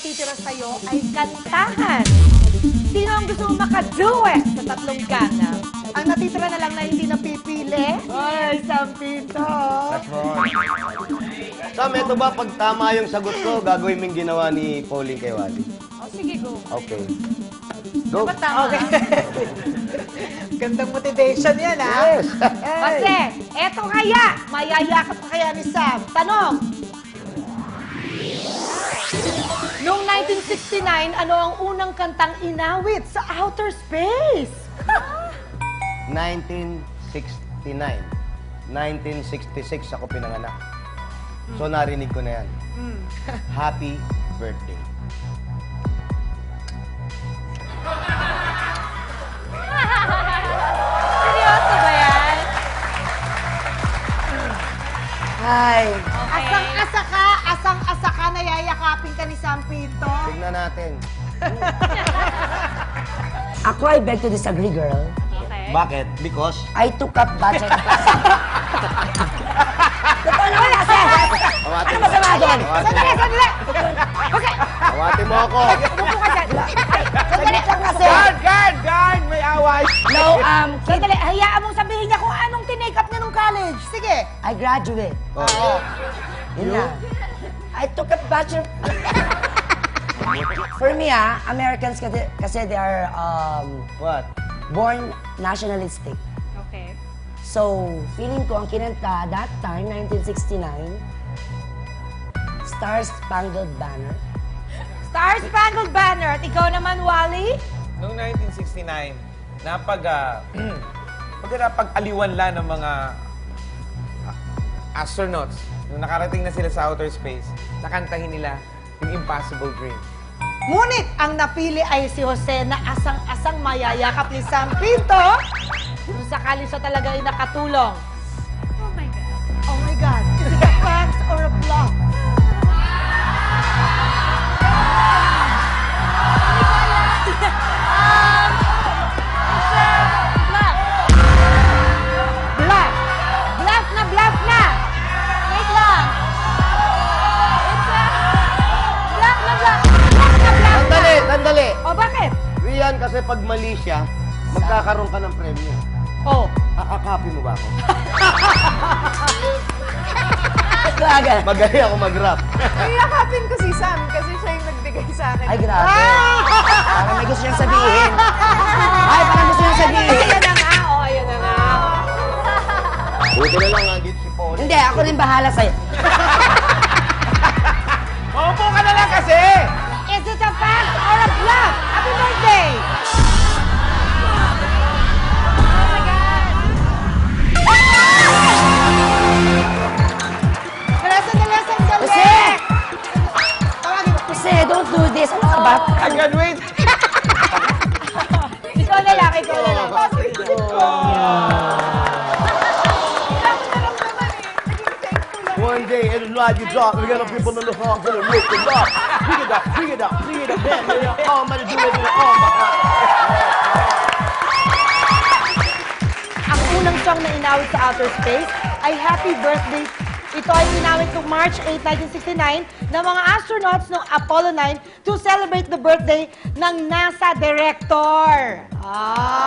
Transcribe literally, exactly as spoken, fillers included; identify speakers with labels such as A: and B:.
A: natitira sa'yo ay kantahan. Sino ang gusto mong makaduet sa tatlong gana? Ang natitira na lang na hindi napipili? Ay, Sampito!
B: That's right. Sam, eto ba, pag tama yung sagot ko, gagawin mo yung ginawa ni Pauline kay Wally?
A: Oh, sige, go.
B: Okay. Go.
A: Dapat tama. Okay.
C: Gandang motivation yan, ha?
B: Yes!
A: Kasi, eto kaya, mayayakap ka kaya ni Sam. Tanong! Noong nineteen sixty-nine, ano ang unang kantang inawit sa outer space?
B: nineteen sixty-nine. nineteen sixty-six ako pinanganak. So narinig ko na yan. Happy birthday.
A: Seryoso ba yan?
C: Ay.
A: Asang-asa ka, asang-asa ka, nayayakapin ka ni Sampito.
B: Tignan natin.
D: Ako, I beg to disagree, girl.
A: Okay.
B: Bakit? Because?
D: I took up bachelor classes. Totoo naman kasi!
B: Awati
D: Ano masama doon?
A: Sandali, sandali! Okay,
B: Awati mo ako.
A: upo ka dyan. Ay,
D: Sandali lang kasi!
C: Guard, guard, guard! May away!
D: No, um, kid,
A: Sandali, hayaan mong sabihin niya kung anong tinake up niya nung college. Sige.
D: I graduate.
B: Oo.
D: Yun na. I took up bachelor... For me, ah, Americans kasi, kasi they are um,
B: What?
D: born nationalistic.
A: Okay.
D: So, feeling ko ang kinanta that time, nineteen sixty-nine, Star Spangled Banner.
A: Star Spangled Banner. At ikaw naman, Wally?
E: Noong nineteen sixty-nine, napag, uh, pag napag-aliwan lang ng mga ah, astronauts, nung nakarating na sila sa outer space, nakantahin nila yung Impossible Dream.
A: Ngunit ang napili ay si Jose na asang-asang mayayakap ni Sampito. Kung sakali siya talaga ay nakatulong. Oh my God. Oh my God. Is it a fact or a bluff? Bluff. Bluff na bluff na. Wait lang. It's a bluff na bluff. Bluff na bluff na.
B: Sandali, sandali.
A: O bakit?
B: Rian, kasi pag mali siya, magkakaroon ka ng premyo.
A: Oh.
B: Akakapi mo ba ako?
D: Talaga.
B: Magaling ako mag-rap.
C: Iyakapin ko si Sam kasi siya yung nagbigay sa akin.
D: Ay, grabe. Parang may gusto niyang sabihin. Ay, parang gusto niyang sabihin.
A: Ayan na nga. O, ayan na nga.
B: Buti na lang, andito si Paul.
D: Hindi, ako rin bahala sa'yo.
E: Maupo ka na lang kasi!
A: Is it a fact or a bluff? Happy birthday! Oh my God! Wala sandali, sandali!
D: Jose!
A: Tawagin mo.
D: Jose, don't do this. Ano ka ba?
E: I graduate!
A: Ikaw na lang, ikaw na lang.
B: One day, it'll light you dark. We got people in the hall to the roof and dark. Bring it up, bring it up, bring it up. Then, then, then, all money do it in the arm.
A: Ang unang song na inawit sa outer space ay Happy Birthday. Ito ay inawit noong March eighth, nineteen sixty-nine ng mga astronauts ng Apollo nine to celebrate the birthday ng NASA director. Ah!